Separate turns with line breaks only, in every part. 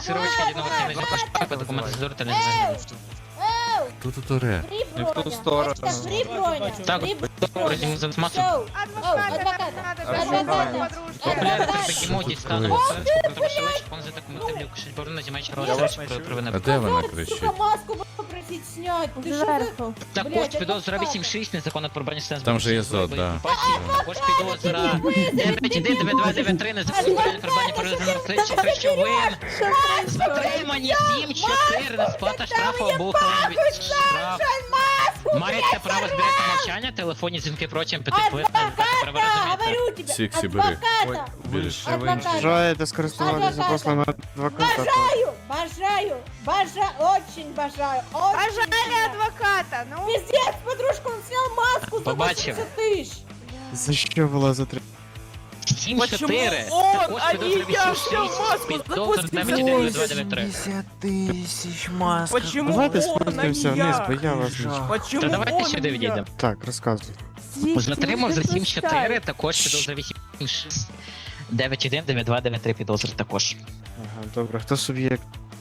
фиксировочка единого по документу задорта не знаю.
Тут уре.
Не в ту сторону.
Так, вроде мы за массу. Популярно такі моді стану. Он за документи лікушить, борона знімаючи провина.
А де вона кричить?
Маску попросить снять. Ты что
Зверху.
Також підозра 8-6, незаконно порубання стен.
Там же є зод, да.
Також підозра 9-1-2-9-3, незаконно порубання перевезеного слідчим речовин. Затримані 7-4, несплата штрафу або ухилення від штрафу. Маєте право зберегти мовчання, телефонні дзвінки протягом 5 хвилин. Право розумієте.
говорю тебе,
Сіксі, бери.
адвоката.
Більш.
Бажаєте скористуватися послами адвоката?
Бажаю, очень бажаю.
Пожали адвоката, ну.
Пиздец, подружка, он снял маску за
Побачив.
80 тысяч.
За що була затримана?
7-4. Також підозра 8-6, підозра 9-1-2-9-3.
Тысяч масок.
Почему
Давайте
он,
спустимося
а не
вниз,
я?
бо я вас не...
Почему
Та давайте
он, а
сюди
не
відійдемо.
Так, розказуй.
Затримав за 7-4, також підозра 8-6. 9-1, 9-2, 9-3 підозри також.
Ага, добре. Хто суб'єкт?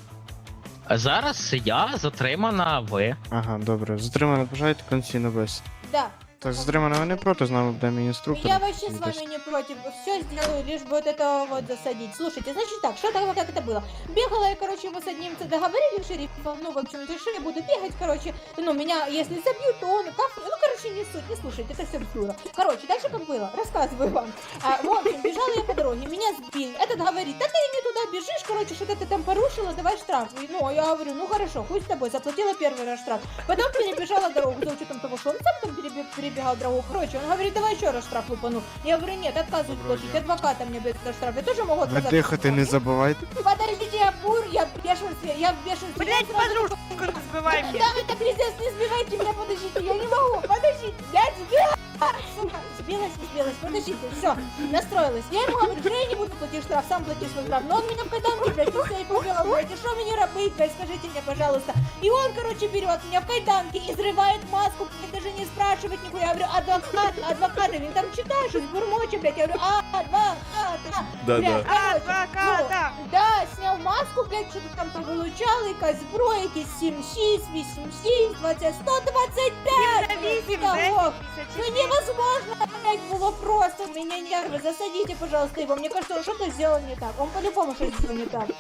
А зараз я затримана ви.
Ага, добре. Затримано бажаєте конституційну бесіду?
Да.
Так, затримано ви не проти, з нами буде мій інструктор.
Я вообще с вами не против. Все сделаю, лишь бы вот этого вот засадить. Слушайте, значит так, что тогда как это было? Бегала я, короче, мы с одним договорили шерифом, ну, в общем, решили, буду бегать, короче, ну, меня, если забьют, то он, как, ну, короче, не суть, не слушайте, это все дура. Короче, дальше как было, рассказываю вам. В общем, бежала я по дороге, меня сбил, этот говорит, да ты не туда бежишь, короче, что-то ты там порушила, давай штраф. И, ну, я говорю, ну, хорошо, хуй с тобой, заплатила первый раз штраф. Потом перебежала дорогу, за учетом того, что он сам там перебегал дорогу, короче, он говорит, давай еще раз штраф выпану. Я говорю, нет, отказываюсь платить, адвоката мне будет за штраф, я тоже могу
Ви
отказаться.
дихати не забувайте.
Подождите, я в бешенстве, я в бешенстве.
Блять,
Я сразу-
подружку сбивай мне.
Да, это пиздец, не сбивайте меня, подождите, я не могу, подождите, блядь, сбилась, сука, сбилась, подождите, все, настроилась. Я ему говорю, что я не буду платить штраф, сам плати свой штраф, но он меня в кайданки, блядь, все и побил, блядь, и что мне робить, блядь, скажите мне, пожалуйста. И он, короче, берет меня в кайданки и срывает маску, блядь, даже не спрашивает нихуя, я говорю, адвокат, он там читаешь, бормочет, блядь, я говорю, адвокат,
Да,
блядь, короче,
Адвоката.
ну, да, снял маску, блядь, что-то там повылучал, якась зброя, якісь 7-6, 8-6, 20, 125,
Зависим,
педагог.
да?
Ну невозможно, блядь, было просто, меня нервы, засадите, пожалуйста, его, мне кажется, он что-то сделал не так, он по-любому что-то сделал не так.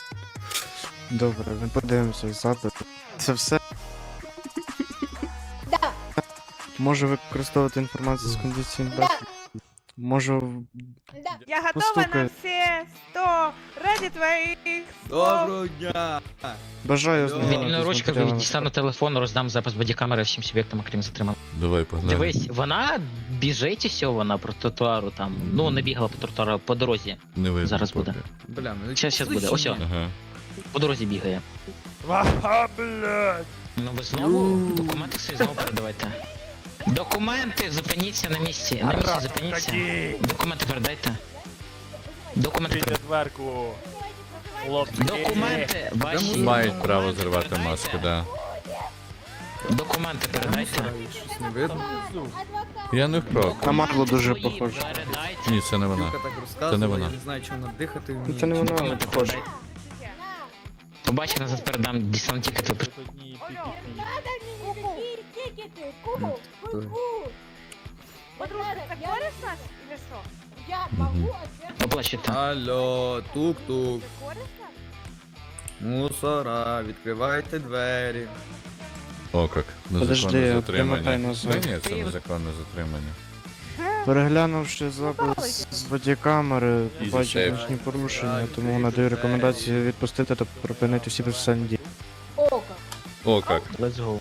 Добре, ми подивимося запит. Це все.
Да,
Можу використовувати інформацію з кондиційних
да,
бесід. Можу...
да.
Я готова
Постукай.
на все 100 ради твоих слов.
Доброго дня!
Бажаю
Вільною
ознайомитись з
ручкою
матеріалами.
дістану телефон, роздам запис бодікамери всім суб'єктам, окрім затриманих.
Давай, погнали.
Дивись, вона біжить усього, вона по тротуару там, ну не бігала по тротуару, по дорозі.
Не видно.
Зараз буде.
поки.
Бля, ну
Щас буде, ось о,
Ага.
по дорозі бігає. Ну ви знову документи свої знову передавайте. Документи, зупиніться на місці. На місці зупиніться. Документи передайте. Документи передайте. Документи ваші.
Мають право зривати маски, да.
Документи передайте.
щось не видно.
Я не вправ.
На Марло дуже
Свої
похоже.
передайте.
Ні, це не вона.
Юлька так
Це не
розказувала,
вона.
я не знаю, чи вона дихати
Ну
вміє.
це не воно,
Документи
похоже.
передайте. Побачив, назад передам десант тікет.
Надо мне тикеты, ку-ку.
Подружка, ты корешь нас или что?
Я могу отвергнуть.
Оплачуйте.
Алло, тук-тук.
Ты корешь нас?
Мусора, відкривайте двері.
О, як.
Подожди,
Незаконне
перемотай
затримання.
назад.
Та ні, це незаконне затримання.
Переглянувши запис з бодікамери,
Easy
бачу
save.
значні порушення, тому надаю рекомендацію відпустити та припинити всі процесуальні дії.
Око.
О, як.
Let's go.